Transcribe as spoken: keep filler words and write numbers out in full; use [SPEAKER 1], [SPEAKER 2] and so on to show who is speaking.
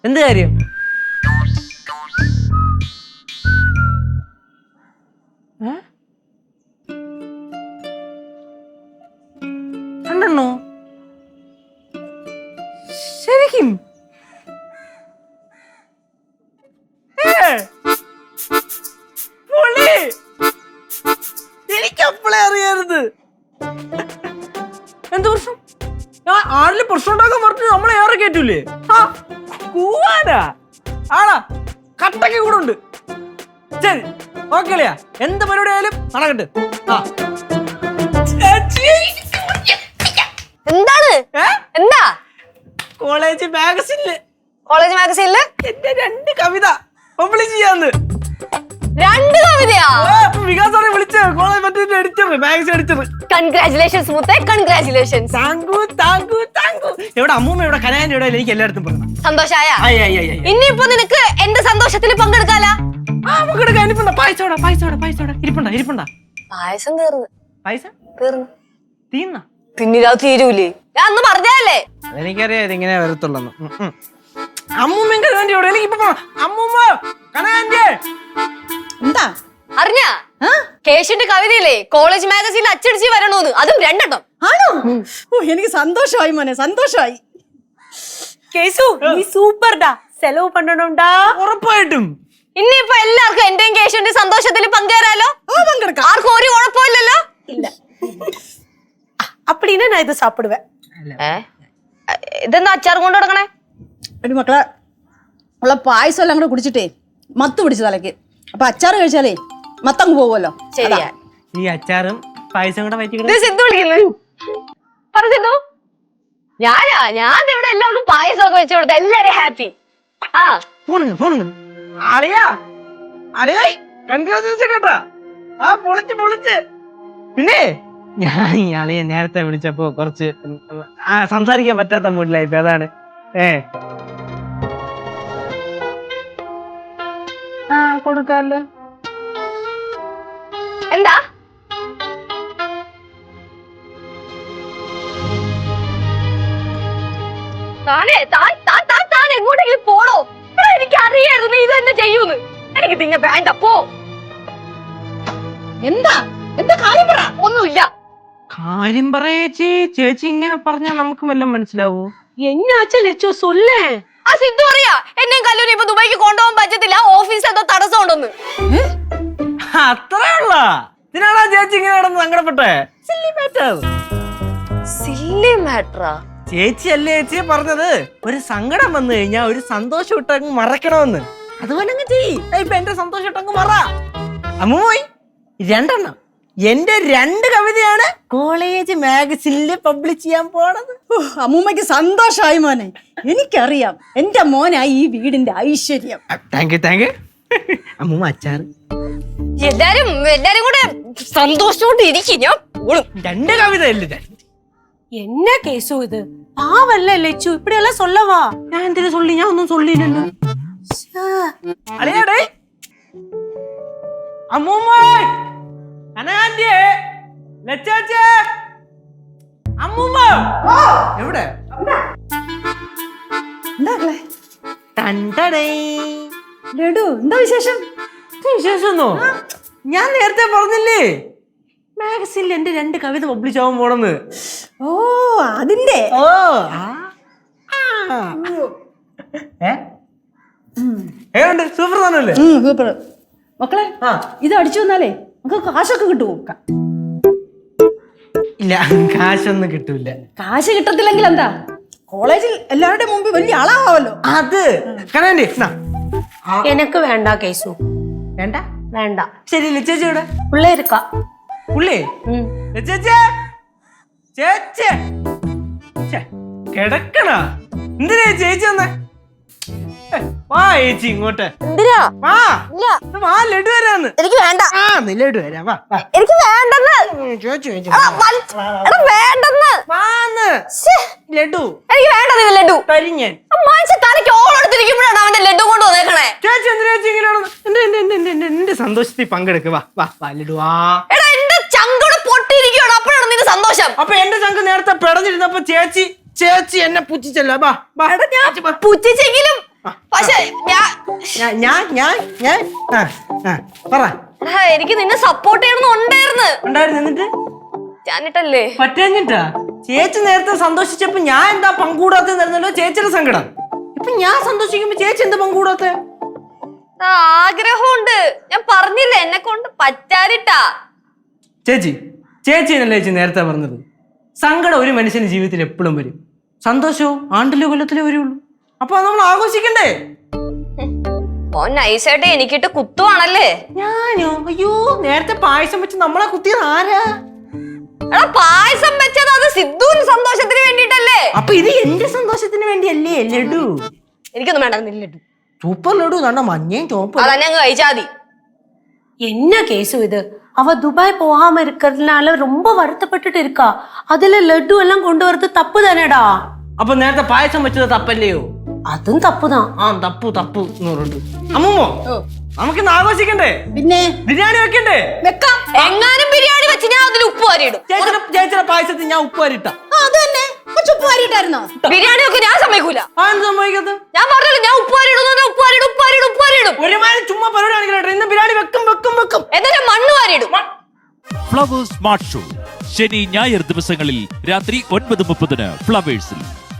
[SPEAKER 1] എന്ത് കാര്യം? രണ്ടെണ്ണോ? ശരിക്കും? എനിക്കപ്പോളെ അറിയരുത്. എന്ത് പ്രശ്നം? ഞാൻ ആരില് പ്രശ്നം ഉണ്ടാക്കാൻ പറഞ്ഞു നമ്മളെ ഏറെ കേറ്റൂലേ? കൂവാനാ ആടാ കട്ടക്ക് കൂടെ ഉണ്ട്. ശരി ഓക്കെ അല്ലയാ, എന്ത് പരിപാടി ആയാലും നടക്കട്ടെ.
[SPEAKER 2] എന്താണ്? എന്താ?
[SPEAKER 1] കോളേജ് മാഗസിനില്
[SPEAKER 2] കോളേജ് മാഗസീനില്
[SPEAKER 1] എന്റെ രണ്ട് കവിത പബ്ലിഷ് ചെയ്യാന്ന്.
[SPEAKER 2] രണ്ട് കവിതയാ?
[SPEAKER 1] വികാസാണ് വിളിച്ച കോളേജ് മറ്റേ എഡിറ്റർ, മാഗസിൻ എഡിറ്റർ.
[SPEAKER 2] കൺഗ്രാറ്റുലേഷൻസ് മുത്തേ, കൺഗ്രാറ്റുലേഷൻസ്.
[SPEAKER 1] Thank you thank you thank you. എവിടെ അമ്മൂമ്മ, എവിടെ കനാന്റെ, എവിടെ? എനിക്ക് എല്ലായിടത്തും പറഞ്ഞു.
[SPEAKER 2] സന്തോഷായ? ഇനിയിപ്പോ നിനക്ക് എന്റെ സന്തോഷത്തിൽ പങ്കെടുക്കാലാ?
[SPEAKER 1] ആ പങ്കെടുക്കാൻ. ഇരിപ്പുണ്ടാ പായസോടാ പായസോടാ പായസോടാ ഇരിപ്പുണ്ടാ ഇരിപ്പുണ്ടാ
[SPEAKER 2] പായസം തീർന്നു.
[SPEAKER 1] പായസം
[SPEAKER 2] തീർന്നു?
[SPEAKER 1] തീർന്ന
[SPEAKER 2] പിന്നിലാ തീരൂലേ? ഞാൻ അന്ന് പറഞ്ഞല്ലേ?
[SPEAKER 1] എനിക്കറിയാം ഇതിങ്ങനെ വരത്തുള്ളൂ. അമ്മൂമ്മ കനാന്റെ എവിടെ? എനിക്കിപ്പോ അമ്മൂമ്മ കനാന്റെ
[SPEAKER 3] എന്താ
[SPEAKER 2] അറിഞ്ഞാ? കേശുന്റെ കവിതയില്ലേ കോളേജ് മാഗസീനിൽ അച്ചടിച്ച് വരണോന്ന്, അതും രണ്ടെണ്ണം.
[SPEAKER 3] ആണോ? ഓ എനിക്ക് സന്തോഷമായി മോനെ, സന്തോഷമായി.
[SPEAKER 4] കേസു നീ സൂപ്പർഡാ, സെലവ് പണ്ടണോണ്ടാ.
[SPEAKER 1] ഉറപ്പായിട്ടും.
[SPEAKER 2] ഇനിയിപ്പോ എല്ലാവർക്കും എന്റെയും കേശുന്റെ സന്തോഷത്തിൽ പങ്കുചേരാലോ?
[SPEAKER 3] പങ്കെടുക്കാം.
[SPEAKER 2] ആർക്കും ഒരു കുഴപ്പമില്ലല്ലോ?
[SPEAKER 4] இல்ல அப்படின்னா நான் இதை சாப்பிடுவேன்.
[SPEAKER 2] ഇതെന്താ അച്ചാർ കൊണ്ട് കൊടുക്കണേ?
[SPEAKER 3] ഒരു മക്കളെ ഉള്ള പായസം എല്ലാം കൂടെ കുടിച്ചിട്ടേ മത്ത് പിടിച്ചു തലക്ക്. അപ്പൊ അച്ചാറ് കഴിച്ചാലേ മത്തങ്ങ് പോകുമല്ലോ.
[SPEAKER 2] ശരിയാ.
[SPEAKER 1] ഈ അച്ചാറും പായസം കൂടെ വയറ്റി
[SPEAKER 2] സിദ്ധു വിളിക്കുന്നു. പറ സിദ്ധു. ഞാനാ ഞാൻ ഇവിടെ എല്ലാവർക്കും പായസം ഒക്കെ വെച്ചു കൊടുത്ത എല്ലാരും ഹാപ്പി. ആ
[SPEAKER 1] ഫോൺ ഫോൺ അളിയാ അളിയാ കൺഗ്രാജുലേഷൻ കേട്ടാ. ആ പൊളിച്ച് പൊളിച്ച്. പിന്നെ ഞാൻ ഈ അളിയെ നേരത്തെ വിളിച്ചപ്പോ കുറച്ച് സംസാരിക്കാൻ പറ്റാത്ത മൂഡിലായിപ്പോ, അതാണ്. ഏ ആ കൊടുക്കാല്ലോ.
[SPEAKER 2] എന്താ താനേ താൻ താൻ താൻ താൻ എങ്ങോട്ടെങ്കിലും പോണോ? എനിക്ക് അറിയായിരുന്നു ഇത് തന്നെ ചെയ്യൂന്ന്. എനിക്ക് പിന്നെ വേണ്ട, പോ.
[SPEAKER 3] എന്താ എന്താ കാര്യം പറ.
[SPEAKER 2] ഒന്നുമില്ല.
[SPEAKER 1] കാര്യം പറയേച്ചി. ചേച്ചി ഇങ്ങനെ പറഞ്ഞാൽ നമുക്ക് വല്ലതും മനസ്സിലാവൂ?
[SPEAKER 4] என்னாச்சு லெச்சோ சொல்லே.
[SPEAKER 2] ആ സിദ്ധു അറിയാ എന്നെയും കല്ലൂരി ഇപ്പൊ ദുബായിക്ക് കൊണ്ടുപോകാൻ പറ്റത്തില്ല, ഓഫീസ് എന്തോ തടസ്സം ഉണ്ടെന്ന്.
[SPEAKER 1] അത്രേ ഉള്ള ഇതിനാണോ ചേച്ചി ഇങ്ങനെ കിടന്ന് സങ്കടപ്പെട്ടെ? Silly matter.
[SPEAKER 2] സില്ലി മാറ്ററാ?
[SPEAKER 1] ചേച്ചി അല്ലേ ചേച്ചിയെ പറഞ്ഞത് ഒരു സങ്കടം വന്നു കഴിഞ്ഞാൽ ഒരു സന്തോഷം ഇട്ടങ്ങ് മറക്കണമെന്ന്. അതുപോലെ അങ്ങ് ചെയ്യ്. ഇപ്പൊ എന്റെ സന്തോഷം ഇട്ടങ്ങ് മറ. അമ്മൂയി രണ്ടെണ്ണം എന്റെ രണ്ട് കവിതയാണ് കോളേജ് മാഗസിനില് പബ്ലിഷ് ചെയ്യാൻ പോണത്.
[SPEAKER 3] അമ്മൂമ്മക്ക് സന്തോഷമായി മോനെ. എനിക്കറിയാം എന്റെ മോനായി ഈ വീടിന്റെ ഐശ്വര്യം.
[SPEAKER 1] Thank you thank you. അമ്മൂമ്മ അച്ചാറ്.
[SPEAKER 2] എല്ലാരും എല്ലാരും കൂടെ സന്തോഷത്തോടെ ഇരിക്കും. ഞാൻ പോളും.
[SPEAKER 1] രണ്ട് കവിത അല്ലേ?
[SPEAKER 4] என்ன கேசு இது? பாவல்ல லெச்சு, இப்படி எல்லாம் சொல்லவா?
[SPEAKER 1] ഞാൻ എന്തിനു சொல்லி? ഞാൻ ഒന്നും சொல்லிല്ലല്ലോ. അളിയാടേ അമ്മൂമ്മ അനാന്റെ ലച്ചാച്ചേ അമ്മൂമ്മ എവിടെ?
[SPEAKER 3] എന്താ
[SPEAKER 1] തണ്ടടേ
[SPEAKER 3] ലഡു, എന്താ വിശേഷം?
[SPEAKER 1] വിശേഷമൊന്നോ? ഞാൻ നേരത്തെ പറഞ്ഞില്ലേ മാഗസിനിൽ എന്റെ രണ്ട് കവിത പബ്ലിഷ് ആവാൻ പോണെന്ന്.
[SPEAKER 3] ഓ അതിന്റെ.
[SPEAKER 1] ഓ ഏണ്ട് സൂപ്പർ താനല്ലേ?
[SPEAKER 3] സൂപ്പർ. മക്കളെ ഇത് അടിച്ചു വന്നാലേ നമുക്ക് കാശൊക്കെ കിട്ടുമോ?
[SPEAKER 1] ഇല്ല, കാശൊന്നും കിട്ടൂല.
[SPEAKER 3] കാശ് കിട്ടത്തില്ലെങ്കിൽ എന്താ, കോളേജിൽ എല്ലാവരുടെ മുമ്പിൽ വലിയ ആളാവാമല്ലോ.
[SPEAKER 1] അത് കനാൻഡി
[SPEAKER 4] எனக்கு வேண்டாம் கேசு.
[SPEAKER 1] വേണ്ട
[SPEAKER 4] வேண்டாம்.
[SPEAKER 1] ശരി. ചേച്ചി ഇവിടെ
[SPEAKER 4] உள்ள இருக்கா?
[SPEAKER 1] പുള്ളി ചേച്ചി ചേച്ചി കിടക്കണ എന്തിനാ ചേച്ചി വന്നേ? വാ ചേച്ചി ഇങ്ങോട്ട്.
[SPEAKER 2] എന്തിനാ?
[SPEAKER 1] വാ വാ ലഡു വരാന്ന്.
[SPEAKER 2] എനിക്ക് വേണ്ട.
[SPEAKER 1] ആ നീ ലഡു വരാ. വാ
[SPEAKER 2] എനിക്ക് വേണ്ടെന്ന്.
[SPEAKER 1] ചോദിച്ചു ചോദിച്ചു
[SPEAKER 2] വേണ്ടെന്ന്.
[SPEAKER 1] വാന്ന് ലഡു.
[SPEAKER 2] എനിക്ക് വേണ്ടത് ലഡു.
[SPEAKER 1] കരിഞ്ഞൻ
[SPEAKER 2] മനുഷ്യ തലയ്ക്ക് ഓളെടുത്തിരിക്കുമ്പോഴാണ് അവന്റെ ലഡു കൊണ്ട് വന്നേക്കണേ.
[SPEAKER 1] ചേച്ചി എന്തിനാ ചേച്ചി ഇങ്ങനെയാണ്? എന്റെ എന്റെ സന്തോഷത്തിൽ പങ്കെടുക്കുക. വാ വാ വാ ലഡു. വാ.
[SPEAKER 2] എടാ എന്റെ ചങ്കോട് പൊട്ടിയിരിക്കുകയാണ്, അപ്പോഴാണ് നിന്റെ സന്തോഷം.
[SPEAKER 1] അപ്പൊ എന്റെ ചങ്ക് നേരത്തെ പിടഞ്ഞിരുന്നപ്പോ ചേച്ചി ചേച്ചി എന്നെ പുച്ഛിച്ചല്ലോ. ബാ
[SPEAKER 2] പുച്ഛിച്ചെങ്കിലും പക്ഷെ ഞാൻ
[SPEAKER 1] ഞാൻ ഞാൻ ഞാൻ ഞാൻ ആ ആ പറ
[SPEAKER 2] എടാ, എനിക്ക് നിന്നെ സപ്പോർട്ട് ചെയ്യണമെന്നുണ്ടായിരുന്നു.
[SPEAKER 1] ഉണ്ടായിരുന്നു എന്നിട്ട്
[SPEAKER 2] ഞാനിട്ടല്ലേ
[SPEAKER 1] പറ്റാഞ്ഞിട്ടാ ചേച്ചി നേരത്തെ സന്തോഷിച്ചപ്പോ ഞാൻ എന്താ പങ്കൂടാത്തല്ലോ ചേച്ചിയുടെ സങ്കടം. ഇപ്പൊ ഞാൻ സന്തോഷിക്കുമ്പോ ചേച്ചി എന്താ പങ്കൂടാത്ത?
[SPEAKER 2] ആഗ്രഹമുണ്ട്, ഞാൻ പറഞ്ഞില്ലേ എന്നെ കൊണ്ട് പറ്റാതിട്ടാ.
[SPEAKER 1] ചേച്ചി ചേച്ചിനല്ലേ ചേച്ചി നേരത്തെ പറഞ്ഞത് സങ്കടം ഒരു മനുഷ്യന്റെ ജീവിതത്തിൽ എപ്പോഴും വരും, സന്തോഷവും ആണ്ടിലോ കൊല്ലത്തിലോ വരുള്ളൂ. അപ്പൊ അത് നമ്മൾ ആഘോഷിക്കണ്ടേ?
[SPEAKER 2] ഓ നൈസായിട്ട് എനിക്കിട്ട് കുത്തുവാണല്ലേ.
[SPEAKER 1] ഞാനോ? അയ്യോ, നേരത്തെ പായസം വെച്ച് നമ്മളെ കുത്തിയത് ആരാ?
[SPEAKER 2] എടാ പായസം വെച്ചത് അത് സിദ്ധുവിന് സന്തോഷത്തിന് വേണ്ടിട്ടല്ലേ.
[SPEAKER 1] അപ്പൊ ഇത് എന്റെ സന്തോഷത്തിന് വേണ്ടിയല്ലേ ലഡു?
[SPEAKER 2] എനിക്കൊന്നും വേണ്ട ലഡു.
[SPEAKER 1] സൂപ്പർ ലഡു കണ്ട മഞ്ഞയും ചോപ്പും.
[SPEAKER 2] അതന്നെ അങ്ങ് കഴിച്ചാ മതി.
[SPEAKER 4] என்ன கேசு இது? அவ துபாய் போகாம இருக்கிறதுனால ரொம்ப வருத்தப்பட்டுட்டு இருக்கா. அதுல லட்டு எல்லாம் கொண்டு வரது தப்பு தானேடா.
[SPEAKER 1] അപ്പൊ നേരത്തെ പായസം വെച്ചത് തപ്പല്ലയോ?
[SPEAKER 4] അതും തപ്പുதான்.
[SPEAKER 1] ആ തപ്പു തപ്പു എന്ന് പറഞ്ഞിട്ട് അമ്മൂമ്മോ നമുക്കിന്ന് ആഘോഷിക്കണ്ടേ?
[SPEAKER 3] പിന്നെ
[SPEAKER 1] ബിരിയാണി വെക്കണ്ടേ?
[SPEAKER 3] വെക്കാം.
[SPEAKER 2] എങ്ങാനും ബിരിയാണി വെച്ച് ഞാൻ അതിൽ ഉപ്പ് വാരിയിടും.
[SPEAKER 1] ചേച്ചിയുടെ ചേച്ചിയുടെ പായസത്തിൽ ഞാൻ ഉപ്പ് വരിട്ട.
[SPEAKER 3] ആ, അത് തന്നെ ഉപ്പ് വാരിയിട്ടായിരുന്നോ?
[SPEAKER 2] ബിരിയാണി ഒക്കെ ഞാൻ സമ്മതിക്കൂല.
[SPEAKER 1] ആ എന്ത് സംഭവിക്കത്ത്?
[SPEAKER 2] ഞാൻ പറഞ്ഞല്ലോ ഞാൻ ഉപ്പ് വാരിയിടും, ഉപ്പ് വാരിയിടും, ഉപ്പ് വാരിയിടും, ഉപ്പ് വാരിയിടും.
[SPEAKER 1] ഒരുമാതിരി ചുമ്മാ പരിപാടി കാണിക്കട്ടെ. ഇന്ന് ബിരിയാണി വെക്കും വെക്കും വെക്കും.
[SPEAKER 2] എന്നിട്ട് മണ്ണ് വാരിയിടും.
[SPEAKER 5] ഫ്ലവേഴ്സ് സ്മാർട്ട് ഷോ ശനി ഞായർ ദിവസങ്ങളിൽ രാത്രി ഒൻപത് മുപ്പതിന് ഫ്ലവേഴ്സിൽ.